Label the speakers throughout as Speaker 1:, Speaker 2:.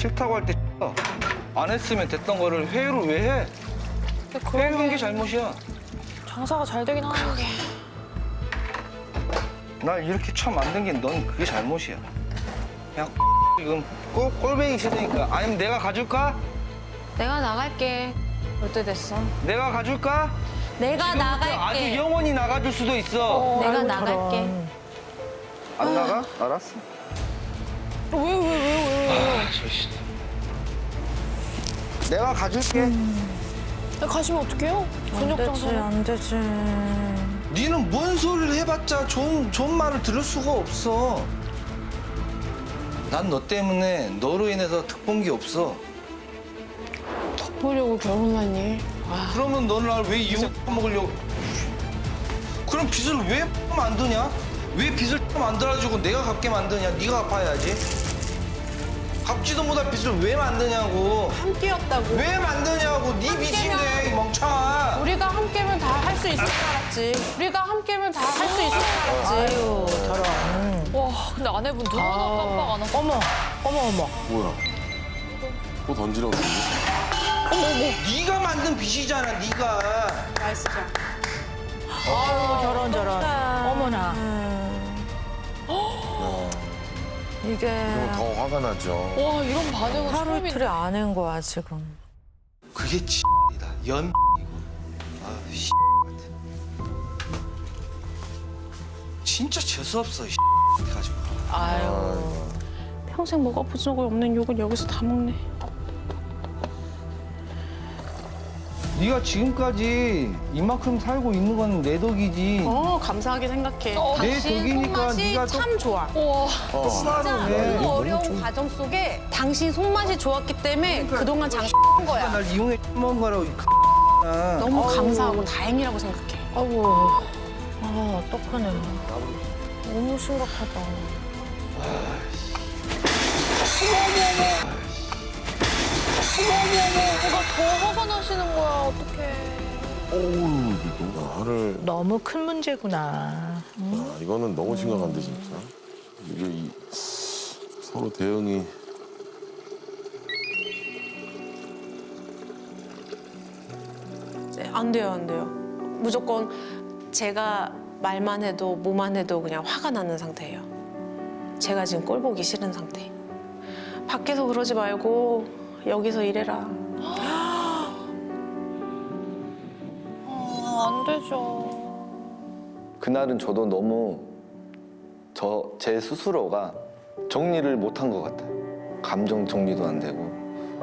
Speaker 1: 싫다고 할 때 안 했으면 됐던 거를 회유를 왜 해? 회유한 게 잘못이야.
Speaker 2: 장사가 잘 되긴 하는데.
Speaker 1: 날 이렇게 처음 만든 게 넌 그게 잘못이야. 그냥 지금 꼴배기 싫으니까. 아니면 내가 가줄까?
Speaker 2: 내가 나갈게. 올 때 됐어.
Speaker 1: 내가 가줄까?
Speaker 2: 내가
Speaker 1: 아주
Speaker 2: 나갈게.
Speaker 1: 영원히 나가줄 수도 있어.
Speaker 2: 내가 나갈게.
Speaker 1: 안 나가? 알았어.
Speaker 2: 왜?
Speaker 1: 저씨. 내가 가줄게.
Speaker 2: 가시면 어떡해요? 저녁 장사는.
Speaker 3: 안 되지.
Speaker 1: 니는 뭔 소리를 해봤자 좋은 말을 들을 수가 없어. 난 너 때문에 너로 인해서 득본 게 없어.
Speaker 2: 보려고 결혼하니?
Speaker 1: 그러면 너는 날 왜 이혼먹으려고? 그럼 빚을 왜 만드냐? 왜 빚을 만들어주고 내가 갚게 만드냐? 네가 갚아야지. 갚지도 못할 빚을 왜 만드냐고.
Speaker 2: 함께였다고.
Speaker 1: 왜 만드냐고. 네 빚인데 이 멍청아.
Speaker 2: 우리가 함께면 다 할 수 있을 줄 알았지. 우리가 함께면 다 할 수 있을 줄 알았지.
Speaker 3: 아유, 저런.
Speaker 2: 와, 근데 아내분 눈 하나 깜빡 안 하고.
Speaker 3: 어머.
Speaker 4: 뭐야? 또 던지려고 그러는데?
Speaker 1: 네가 만든 빚이잖아. 네가.
Speaker 2: 맛있으죠?
Speaker 3: 아유, 저런. 어머나. 이게
Speaker 4: 그러면 더 화가 나죠.
Speaker 2: 와, 이런 반응은
Speaker 3: 하루
Speaker 2: 처음이네.
Speaker 3: 이틀에 안 한 거야, 지금.
Speaker 1: 그게 X이다. 연이고. 아, X 같아. 진짜 재수없어, 이 가지고.
Speaker 3: 아유.
Speaker 2: 평생 먹어본 적 없는 욕을 여기서 다 먹네.
Speaker 1: 네가 지금까지 이만큼 살고 있는 건 내 덕이지.
Speaker 5: 감사하게 생각해.
Speaker 1: 내
Speaker 5: 당신
Speaker 1: 덕이니까
Speaker 5: 손맛이
Speaker 1: 네가
Speaker 5: 참 좋아.
Speaker 2: 우와.
Speaker 1: 똑바로 해.
Speaker 5: 너무 어려운 과정 속에 당신 손맛이 좋았기 때문에 그동안 장사한 거야.
Speaker 1: 날 이용해 먹은 거라고.
Speaker 5: 너무 감사하고 다행이라고 생각해.
Speaker 3: 아이고. 아, 어떡하네. 너무 심각하다.
Speaker 2: 뭔가 더 화가 나시는 거야, 어떡해.
Speaker 4: 어우, 너무 화를.
Speaker 3: 너무 큰 문제구나.
Speaker 4: 아, 이거는 너무 심각한데, 진짜. 이게 서로 대응이.
Speaker 5: 안 돼요, 안 돼요. 무조건 제가 말만 해도 뭐만 해도 그냥 화가 나는 상태예요. 제가 지금 꼴 보기 싫은 상태. 밖에서 그러지 말고 여기서 일해라.
Speaker 2: 안 되죠.
Speaker 6: 그날은 저도 너무 제 스스로가 정리를 못한 것 같아요. 감정 정리도 안 되고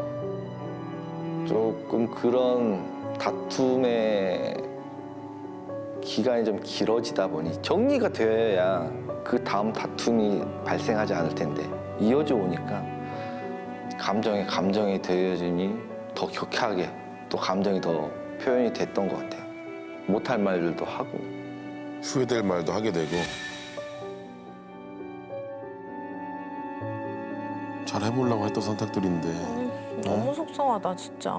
Speaker 6: 조금 그런 다툼의 기간이 좀 길어지다 보니 정리가 되어야 그 다음 다툼이 발생하지 않을 텐데 이어져 오니까 감정이 되어지니 더 격하게 또 감정이 더 표현이 됐던 것 같아요. 못할 말들도 하고
Speaker 4: 후회될 말도 하게 되고. 잘 해보려고 했던 선택들인데.
Speaker 3: 너무 속상하다, 진짜.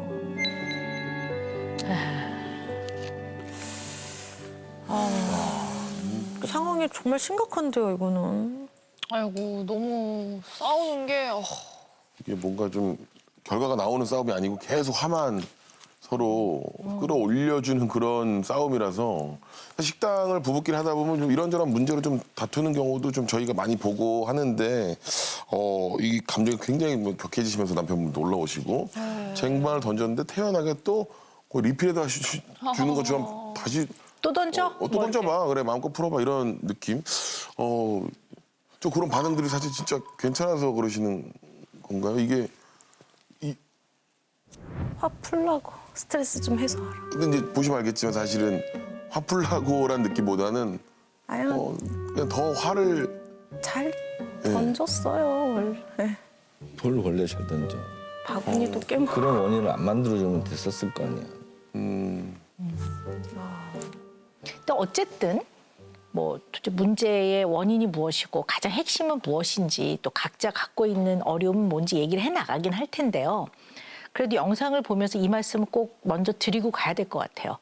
Speaker 3: 상황이 정말 심각한데요, 이거는.
Speaker 2: 아이고, 너무 싸우는 게.
Speaker 4: 이게 뭔가 좀 결과가 나오는 싸움이 아니고 계속 화만 서로 끌어올려주는 그런 싸움이라서 식당을 부부끼리 하다 보면 좀 이런저런 문제로 좀 다투는 경우도 좀 저희가 많이 보고 하는데 이 감정이 굉장히 뭐 격해지시면서 남편분 놀러오시고 쟁반을 던졌는데 태연하게 또 리필에다 주는 것처럼 다시
Speaker 3: 또 던져?
Speaker 4: 또 던져봐. 그래, 마음껏 풀어봐. 이런 느낌. 좀 그런 반응들이 사실 진짜 괜찮아서 그러시는 건가요? 이게,
Speaker 3: 화 풀라고. 스트레스 좀 해소하라.
Speaker 4: 근데 이제 보시면 알겠지만 사실은 화풀라고란 느낌보다는
Speaker 3: 아유,
Speaker 4: 그냥 더 화를.
Speaker 3: 잘
Speaker 4: 예.
Speaker 3: 던졌어요, 원래.
Speaker 6: 뭘 원래 잘 던져.
Speaker 3: 바구니도 깨먹고.
Speaker 6: 그런 원인을 안 만들어주면 됐었을 거 아니야.
Speaker 7: 근데 어쨌든 뭐 도대체 문제의 원인이 무엇이고 가장 핵심은 무엇인지 또 각자 갖고 있는 어려움은 뭔지 얘기를 해나가긴 할 텐데요. 그래도 영상을 보면서 이 말씀을 꼭 먼저 드리고 가야 될 것 같아요.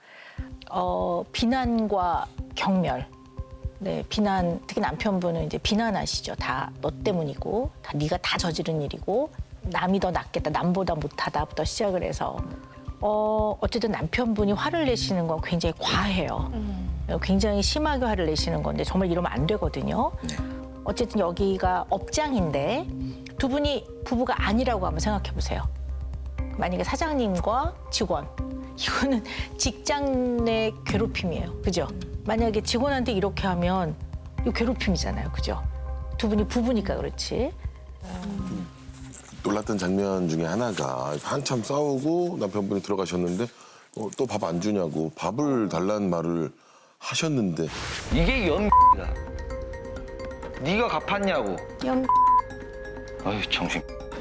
Speaker 7: 비난과 경멸. 네, 비난, 특히 남편분은 이제 비난하시죠. 다 너 때문이고, 다 네가 다 저지른 일이고, 남이 더 낫겠다, 남보다 못하다부터 시작을 해서 어쨌든 남편분이 화를 내시는 건 굉장히 과해요. 굉장히 심하게 화를 내시는 건데 정말 이러면 안 되거든요. 어쨌든 여기가 업장인데 두 분이 부부가 아니라고 한번 생각해 보세요. 만약에 사장님과 직원, 이거는 직장 내 괴롭힘이에요. 그죠? 만약에 직원한테 이렇게 하면 이거 괴롭힘이잖아요. 그죠? 두 분이 부부니까 그렇지.
Speaker 4: 놀랐던 장면 중에 하나가 한참 싸우고 남편분이 들어가셨는데 또 밥 안 주냐고 밥을 달라는 말을 하셨는데
Speaker 1: 이게 연 네가 갚았냐고. 아유 정신.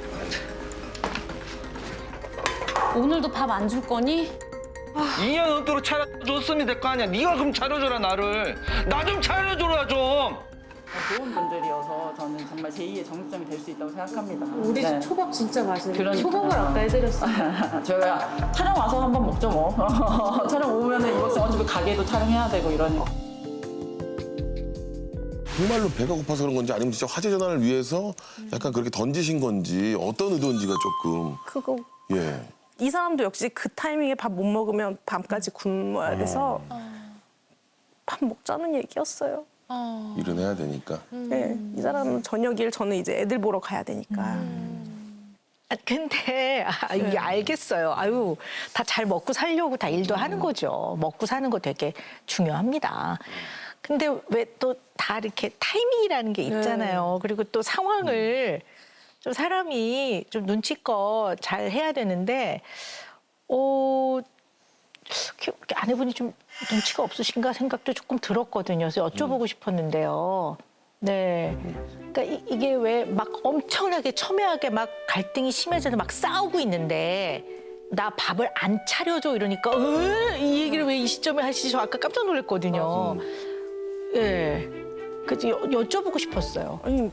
Speaker 2: 오늘도 밥 안 줄 거니?
Speaker 1: 2년 넘도록 차려줬으면 될 거 아니야. 네가 그럼 차려줘라 나를. 나 좀 차려줘라 좀.
Speaker 8: 좋은 분들이어서 저는 정말 제2의 정육점이 될 수 있다고 생각합니다.
Speaker 2: 우리 집 초밥 진짜 맛있는데.
Speaker 8: 그러니까.
Speaker 2: 초밥을 아까 해드렸어요.
Speaker 8: 저희가 촬영 와서 한번 먹죠 뭐. 촬영 오면은 이거 어차피 가게도 촬영해야 되고 이러니까.
Speaker 4: 정말로 배가 고파서 그런 건지 아니면 진짜 화제 전환을 위해서 약간 그렇게 던지신 건지 어떤 의도인지가 조금
Speaker 3: 그거
Speaker 4: 예.
Speaker 3: 이 사람도 역시 그 타이밍에 밥 못 먹으면 밤까지 굶어야 돼서 밥 먹자는 얘기였어요.
Speaker 4: 일은 해야 되니까.
Speaker 3: 네, 이 사람은 저녁 일, 저는 이제 애들 보러 가야 되니까.
Speaker 7: 근데 이게 알겠어요. 아유, 다 잘 먹고 살려고 다 일도 하는 거죠. 먹고 사는 거 되게 중요합니다. 근데 왜 또 다 이렇게 타이밍이라는 게 있잖아요. 그리고 또 상황을 좀 사람이 좀 눈치껏 잘 해야 되는데, 이렇게 아내분이 좀 눈치가 없으신가 생각도 조금 들었거든요. 그래서 여쭤보고 싶었는데요. 네. 그러니까 이게 왜 막 엄청나게 첨예하게 막 갈등이 심해져서 막 싸우고 있는데 나 밥을 안 차려줘 이러니까 이 얘기를 왜 이 시점에 하시지? 저 아까 깜짝 놀랐거든요. 예. 네. 그래서 여쭤보고 싶었어요.
Speaker 3: 아니,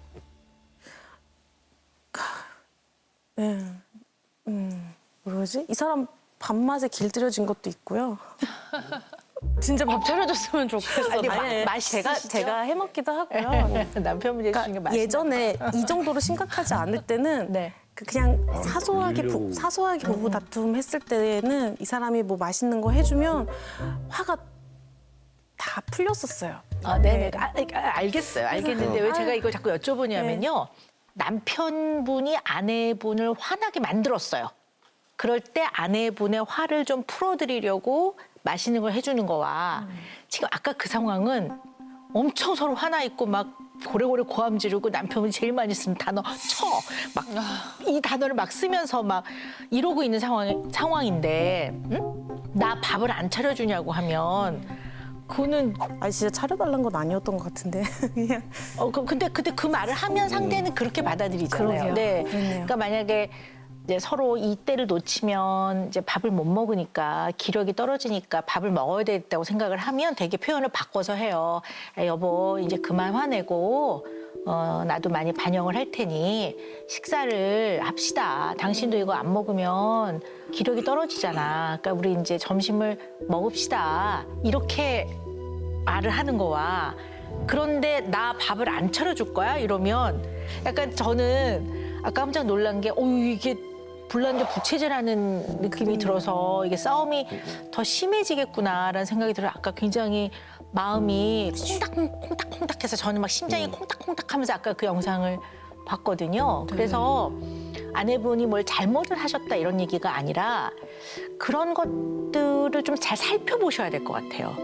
Speaker 3: 뭐지? 이 사람 밥맛에 길들여진 것도 있고요.
Speaker 2: 진짜 밥 차려줬으면 좋겠어.
Speaker 7: 아니, 맛이
Speaker 3: 제가 해먹기도 하고요.
Speaker 7: 남편분이 해주신 게 맛이
Speaker 3: 예전에 이 정도로 심각하지 않을 때는
Speaker 7: 네.
Speaker 3: 그냥 사소하게 부부 다툼 했을 때는 이 사람이 뭐 맛있는 거 해주면 화가 다 풀렸었어요.
Speaker 7: 네네. 알겠어요. 알겠는데 왜 제가 이걸 자꾸 여쭤보냐면요. 남편분이 아내분을 화나게 만들었어요. 그럴 때 아내분의 화를 좀 풀어드리려고 맛있는 걸 해주는 거와 지금 아까 그 상황은 엄청 서로 화나 있고 막 고래고래 고함 지르고 남편분이 제일 많이 쓰는 단어 막 이 단어를 막 쓰면서 막 이러고 있는 상황인데 나 밥을 안 차려주냐고 하면 그거는
Speaker 3: 아니 진짜 차려달라는 건 아니었던 것 같은데 그냥
Speaker 7: 근데 그 말을 하면 상대는 그렇게 받아들이잖아요.
Speaker 3: 그러게요.
Speaker 7: 네.
Speaker 3: 그렇네요.
Speaker 7: 그러니까 만약에 이제 서로 이 때를 놓치면 이제 밥을 못 먹으니까 기력이 떨어지니까 밥을 먹어야 되겠다고 생각을 하면 되게 표현을 바꿔서 해요. 여보 이제 그만 화내고 나도 많이 반영을 할 테니 식사를 합시다. 당신도 이거 안 먹으면 기력이 떨어지잖아. 그러니까 우리 이제 점심을 먹읍시다. 이렇게 말을 하는 거와 그런데 나 밥을 안 차려줄 거야? 이러면 약간 저는 아까 깜짝 놀란 게 이게 불난데 부채질하는 느낌이 들어서 이게 싸움이 더 심해지겠구나라는 생각이 들어요. 아까 굉장히 마음이 콩닥콩닥해서 저는 막 심장이 콩닥콩닥하면서 아까 그 영상을 봤거든요. 그래서 아내분이 뭘 잘못을 하셨다 이런 얘기가 아니라 그런 것들을 좀 잘 살펴보셔야 될 것 같아요.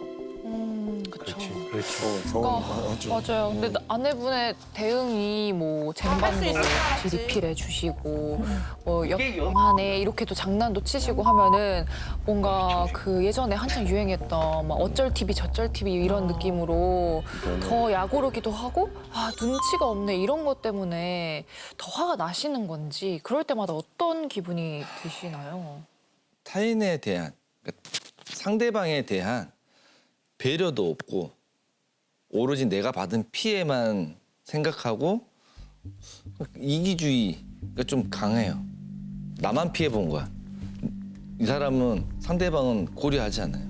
Speaker 9: 그렇죠. 맞아요. 근데 아내분의 대응이 뭐 쟁반도 리필해 주시고 뭐 영하네 이렇게도 장난도 치시고 하면은 뭔가 그 예전에 한창 유행했던 막 어쩔 TV 저쩔 TV 이런 느낌으로 더 약오르기도 하고 눈치가 없네 이런 것 때문에 더 화가 나시는 건지 그럴 때마다 어떤 기분이 드시나요?
Speaker 10: 타인에 대한 그러니까 상대방에 대한 배려도 없고 오로지 내가 받은 피해만 생각하고 이기주의가 좀 강해요. 나만 피해 본 거야. 이 사람은 상대방은 고려하지 않아요.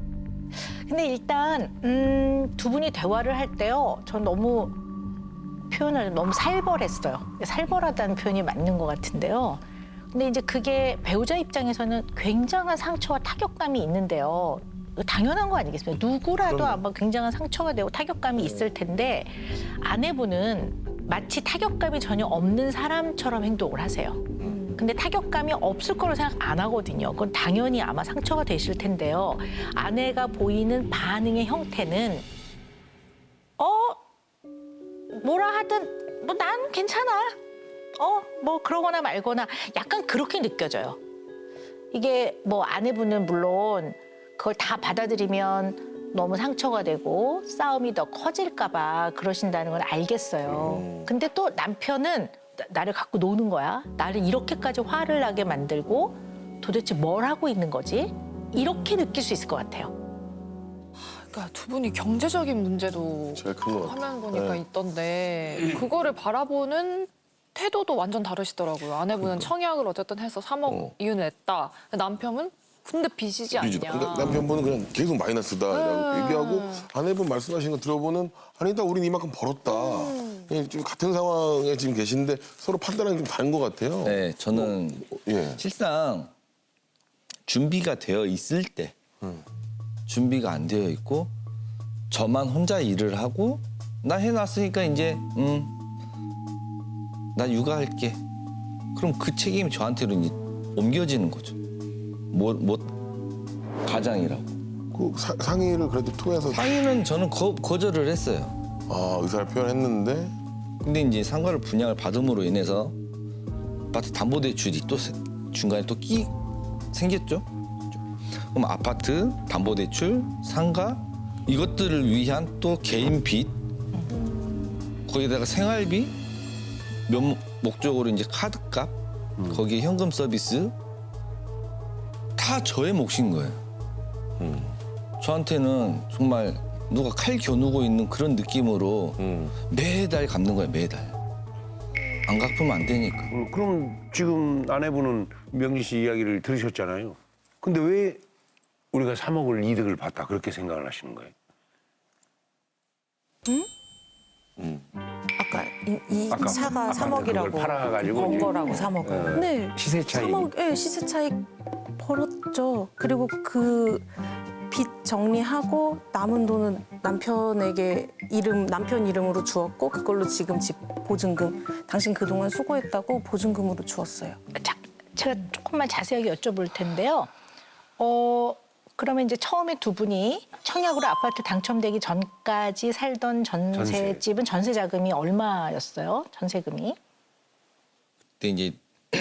Speaker 7: 근데 일단 두 분이 대화를 할 때요. 전 너무 표현을 너무 살벌했어요. 살벌하다는 표현이 맞는 것 같은데요. 근데 이제 그게 배우자 입장에서는 굉장한 상처와 타격감이 있는데요. 당연한 거 아니겠습니까? 누구라도 아마 굉장한 상처가 되고 타격감이 있을 텐데 아내분은 마치 타격감이 전혀 없는 사람처럼 행동을 하세요. 근데 타격감이 없을 거로 생각 안 하거든요. 그건 당연히 아마 상처가 되실 텐데요. 아내가 보이는 반응의 형태는 뭐라 하든 뭐 난 괜찮아. 뭐 그러거나 말거나 약간 그렇게 느껴져요. 이게 뭐 아내분은 물론 그걸 다 받아들이면 너무 상처가 되고 싸움이 더 커질까 봐 그러신다는 건 알겠어요. 근데 또 남편은 나를 갖고 노는 거야. 나를 이렇게까지 화를 나게 만들고 도대체 뭘 하고 있는 거지? 이렇게 느낄 수 있을 것 같아요.
Speaker 9: 그러니까 두 분이 경제적인 문제도
Speaker 4: 제일 큰것 같아요.
Speaker 9: 화면 보니까
Speaker 4: 네.
Speaker 9: 있던데 그거를 바라보는 태도도 완전 다르시더라고요. 아내분은 청약을 어쨌든 해서 3억 이윤을 냈다. 남편은 근데 빚이지 않냐.
Speaker 4: 그러니까 남편분은 그냥 계속 마이너스다라고 얘기하고 아내분 말씀하신 거 들어보는 아니다 우린 이만큼 벌었다. 그냥 좀 같은 상황에 지금 계신데 서로 판단이 좀 다른 것 같아요.
Speaker 10: 네, 저는
Speaker 4: 예.
Speaker 10: 실상 준비가 되어 있을 때 준비가 안 되어 있고 저만 혼자 일을 하고 나 해놨으니까 이제 나 육아할게. 그럼 그 책임이 저한테로 이제 옮겨지는 거죠. 가장이라고.
Speaker 4: 그 상의를 그래도 통해서
Speaker 10: 상의는 저는 거절을 했어요.
Speaker 4: 의사를 표현했는데
Speaker 10: 근데 이제 상가를 분양을 받음으로 인해서 아파트 담보대출이 또 중간에 또 생겼죠. 그럼 아파트, 담보대출, 상가 이것들을 위한 또 개인 빚 거기다가 생활비 목적으로 이제 카드값 거기에 현금 서비스 다 저의 몫인 거예요. 저한테는 정말 누가 칼 겨누고 있는 그런 느낌으로 매달 갚는 거예요, 매달. 안 갚으면 안 되니까.
Speaker 11: 그럼 지금 아내분은 명진 씨 이야기를 들으셨잖아요. 근데 왜 우리가 3억을 이득을 봤다 그렇게 생각을 하시는 거예요?
Speaker 3: 아까 이 차가 3억이라고
Speaker 11: 팔아가지고
Speaker 3: 번
Speaker 11: 이제
Speaker 3: 거라고 3억을. 네.
Speaker 11: 시세 차이.
Speaker 3: 3억, 네, 시세 차익 벌었죠. 그리고 그 빚 정리하고 남은 돈은 남편에게 남편 이름으로 주었고 그걸로 지금 집 보증금 당신 그동안 수고했다고 보증금으로 주었어요.
Speaker 7: 자, 제가 조금만 자세하게 여쭤볼 텐데요. 그러면 이제 처음에 두 분이 청약으로 아파트 당첨되기 전까지 살던 전셋집은 전세 자금이 얼마였어요? 전세금이?
Speaker 10: 그때 이제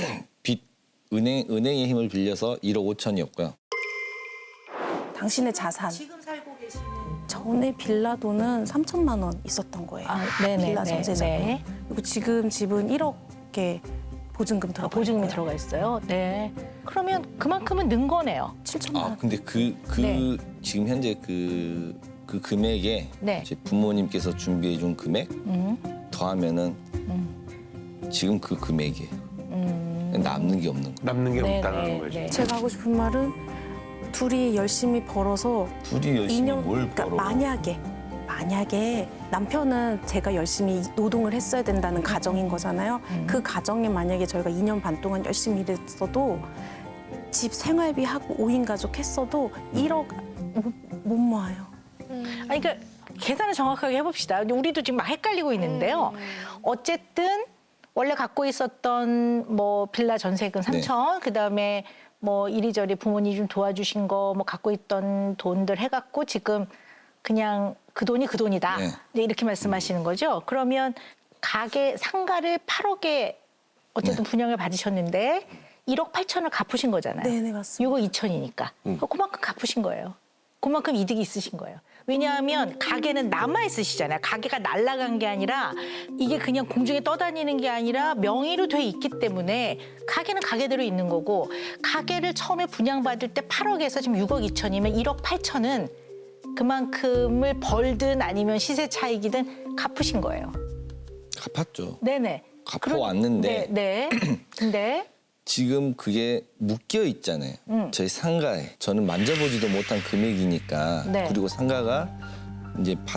Speaker 10: 은행의 힘을 빌려서 1억 5천이었고요.
Speaker 3: 당신의 자산. 지금 살고 계시는 전에 빌라 돈은 3천만 원 있었던 거예요.
Speaker 7: 네네.
Speaker 3: 빌라 전세 자금.
Speaker 7: 네.
Speaker 3: 그리고 지금 집은 1억에 보증금 들어가
Speaker 7: 보증금이
Speaker 3: 있고요.
Speaker 7: 들어가 있어요. 네. 그러면 그만큼은 는 거네요.
Speaker 3: 7천만 원.
Speaker 10: 근데
Speaker 7: 네.
Speaker 10: 지금 현재 그 금액에
Speaker 7: 네.
Speaker 10: 제 부모님께서 준비해 준 금액 더하면은 지금 그 금액이에요. 남는 게 없는 거예요.
Speaker 11: 남는 게
Speaker 7: 네,
Speaker 11: 없다는
Speaker 7: 네,
Speaker 11: 거죠.
Speaker 7: 네.
Speaker 3: 제가 하고 싶은 말은 둘이 열심히 벌어서
Speaker 10: 둘이 열심히 뭘 벌어.
Speaker 3: 만약에 남편은 제가 열심히 노동을 했어야 된다는 가정인 거잖아요. 그 가정에 만약에 저희가 2년 반 동안 열심히 일했어도 집 생활비 하고 5인 가족 했어도 1억 못 모아요.
Speaker 7: 아니, 그러니까 계산을 정확하게 해봅시다. 우리도 지금 막 헷갈리고 있는데요. 어쨌든 원래 갖고 있었던 뭐 빌라 전세금 3천, 그다음에 뭐 이리저리 부모님 좀 도와주신 거 뭐 갖고 있던 돈들 해갖고 지금 그냥 그 돈이 그 돈이다.
Speaker 10: 네.
Speaker 7: 이제 이렇게 말씀하시는 거죠. 그러면 가게 상가를 8억에 어쨌든 분양을 받으셨는데 1억 8천을 갚으신 거잖아요.
Speaker 3: 네네, 맞습니다.
Speaker 7: 6억 2천이니까. 그만큼 갚으신 거예요. 그만큼 이득이 있으신 거예요. 왜냐하면 가게는 남아 있으시잖아요. 가게가 날아간 게 아니라 이게 그냥 공중에 떠다니는 게 아니라 명의로 돼 있기 때문에 가게는 가게대로 있는 거고 가게를 처음에 분양받을 때 8억에서 지금 6억 2천이면 1억 8천은 그만큼을 벌든 아니면 시세 차익이든 갚으신 거예요.
Speaker 10: 갚았죠.
Speaker 7: 네네.
Speaker 10: 갚아왔는데
Speaker 7: 네. 근데
Speaker 10: 지금 그게 묶여 있잖아요. 저희 상가에. 저는 만져보지도 못한 금액이니까.
Speaker 7: 네.
Speaker 10: 그리고 상가가 이제 8억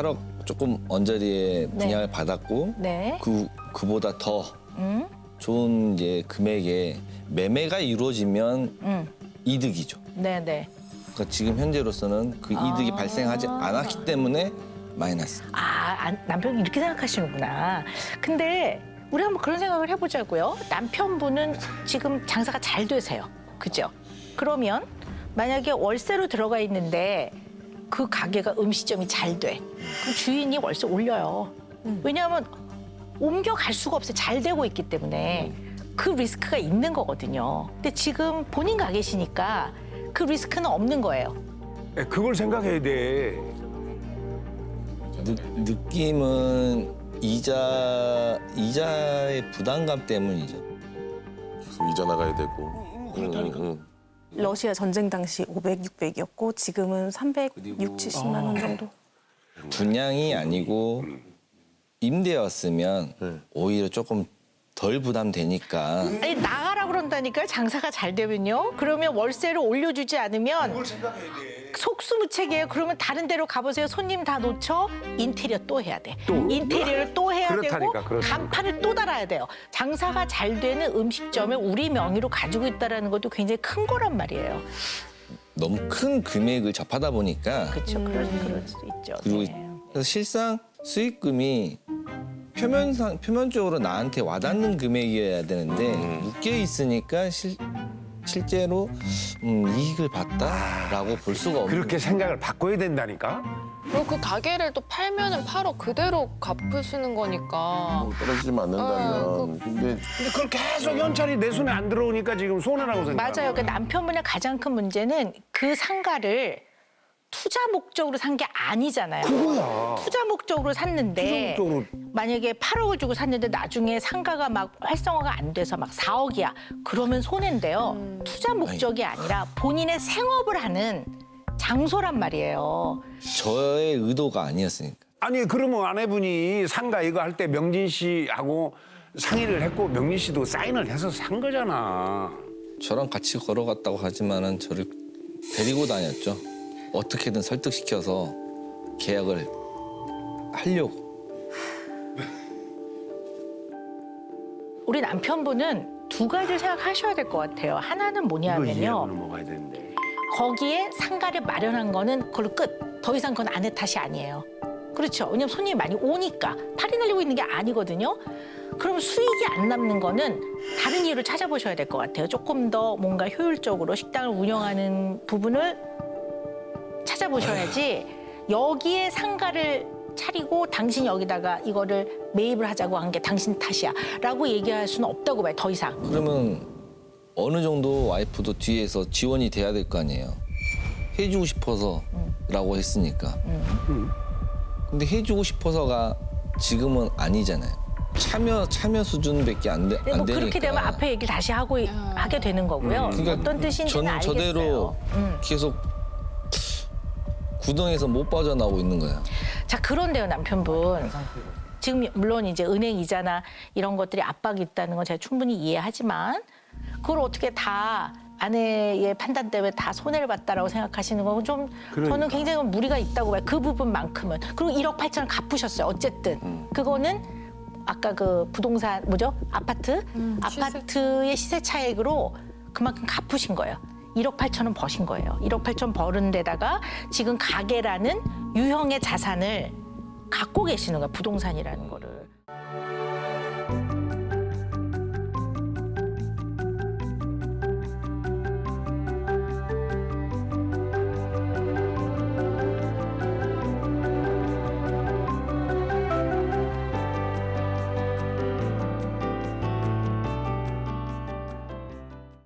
Speaker 10: 조금 언저리에 분양을 받았고
Speaker 7: 네.
Speaker 10: 그보다 더 좋은 이제 금액에 매매가 이루어지면 이득이죠.
Speaker 7: 네네.
Speaker 10: 그러니까 지금 현재로서는 그 이득이 발생하지 않았기 때문에 마이너스.
Speaker 7: 남편이 이렇게 생각하시는구나. 근데 우리 한번 그런 생각을 해보자고요. 남편분은 지금 장사가 잘 되세요. 그죠? 그러면 만약에 월세로 들어가 있는데 그 가게가 음식점이 잘 돼. 그럼 주인이 월세 올려요. 왜냐하면 옮겨갈 수가 없어요. 잘 되고 있기 때문에. 그 리스크가 있는 거거든요. 근데 지금 본인 가게시니까 그 리스크는 없는 거예요.
Speaker 11: 그걸 생각해야 돼.
Speaker 10: 느낌은 이자의 부담감 때문이죠.
Speaker 4: 계속 이자 나가야 되고. 그렇다니까.
Speaker 3: 러시아 전쟁 당시 500, 600이었고 지금은 360, 70만 원 정도.
Speaker 10: 분양이 아니고 임대였으면 오히려 조금 덜 부담되니까.
Speaker 7: 아니 나가라 그런다니까요. 장사가 잘 되면요. 그러면 월세를 올려주지 않으면 속수무책이에요. 그러면 다른 데로 가보세요. 손님 다 놓쳐. 인테리어 또 해야 돼. 인테리어를 또 해야
Speaker 11: 그렇다니까,
Speaker 7: 되고
Speaker 11: 그렇다니까.
Speaker 7: 간판을 또 달아야 돼요. 장사가 잘 되는 음식점을 우리 명의로 가지고 있다는 것도 굉장히 큰 거란 말이에요.
Speaker 10: 너무 큰 금액을 접하다 보니까
Speaker 7: 그렇죠. 그럴 수 있죠.
Speaker 10: 그리고
Speaker 7: 네.
Speaker 10: 그래서 실상 수익금이 표면적으로 나한테 와닿는 금액이어야 되는데 묶여 있으니까 실제로 이익을 봤다라고 볼 수가 없는.
Speaker 11: 그렇게 생각을 바꿔야 된다니까.
Speaker 9: 그리고 그 가게를 또 팔면은 팔어 그대로 갚으시는 거니까.
Speaker 4: 떨어지지만 않는다면. 근데
Speaker 11: 그걸 계속 현찰이 내 손에 안 들어오니까 지금 손해라고 생각해요.
Speaker 7: 맞아요. 그 남편분의 가장 큰 문제는 그 상가를 투자 목적으로 산 게 아니잖아요.
Speaker 11: 그거야.
Speaker 7: 투자 목적으로 샀는데
Speaker 11: 투자 목적으로.
Speaker 7: 만약에 8억을 주고 샀는데 나중에 상가가 막 활성화가 안 돼서 막 4억이야. 그러면 손해인데요. 투자 목적이 아니라 본인의 생업을 하는 장소란 말이에요.
Speaker 10: 저의 의도가 아니었으니까.
Speaker 11: 아니 그러면 아내분이 상가 이거 할 때 명진 씨하고 상의를 했고 명진 씨도 사인을 해서 산 거잖아.
Speaker 10: 저랑 같이 걸어갔다고 하지만은 저를 데리고 다녔죠. 어떻게든 설득시켜서 계약을 하려고.
Speaker 7: 우리 남편분은 두 가지를 생각하셔야 될 것 같아요. 하나는
Speaker 11: 이거
Speaker 7: 뭐냐면요.
Speaker 11: 이해하고 넘어가야 되는데.
Speaker 7: 거기에 상가를 마련한 거는 그걸로 끝. 더 이상 그건 아내 탓이 아니에요. 그렇죠. 왜냐면 손님이 많이 오니까 팔이 날리고 있는 게 아니거든요. 그럼 수익이 안 남는 거는 다른 이유를 찾아보셔야 될 것 같아요. 조금 더 뭔가 효율적으로 식당을 운영하는 부분을 찾아보셔야지 여기에 상가를 차리고 당신이 여기다가 이거를 매입을 하자고 한 게 당신 탓이야 라고 얘기할 수는 없다고 봐요. 더 이상.
Speaker 10: 그러면 어느 정도 와이프도 뒤에서 지원이 돼야 될 거 아니에요. 해주고 싶어서라고 했으니까. 근데 해주고 싶어서가 지금은 아니잖아요. 참여 수준밖에 안 되니까.
Speaker 7: 뭐 그렇게 되면 앞에 얘기를 다시 하게 되는 거고요.
Speaker 10: 그러니까
Speaker 7: 어떤 뜻인지는
Speaker 10: 저는
Speaker 7: 알겠어요.
Speaker 10: 저대로 계속 구덩이에서 못 빠져나오고 있는 거예요.
Speaker 7: 자, 그런데요, 남편분. 지금 물론 이제 은행 이자나 이런 것들이 압박이 있다는 건 제가 충분히 이해하지만 그걸 어떻게 다 아내의 판단 때문에 다 손해를 봤다라고 생각하시는 건 좀 저는 굉장히 무리가 있다고 봐요. 그 부분만큼은. 그리고 1억 8천을 갚으셨어요. 어쨌든. 그거는 아까 그 부동산 뭐죠? 아파트의 시세 차익으로 그만큼 갚으신 거예요. 1억 8천은 버신 거예요. 1억 8천 버는 데다가 지금 가게라는 유형의 자산을 갖고 계시는 거예요. 부동산이라는 거를.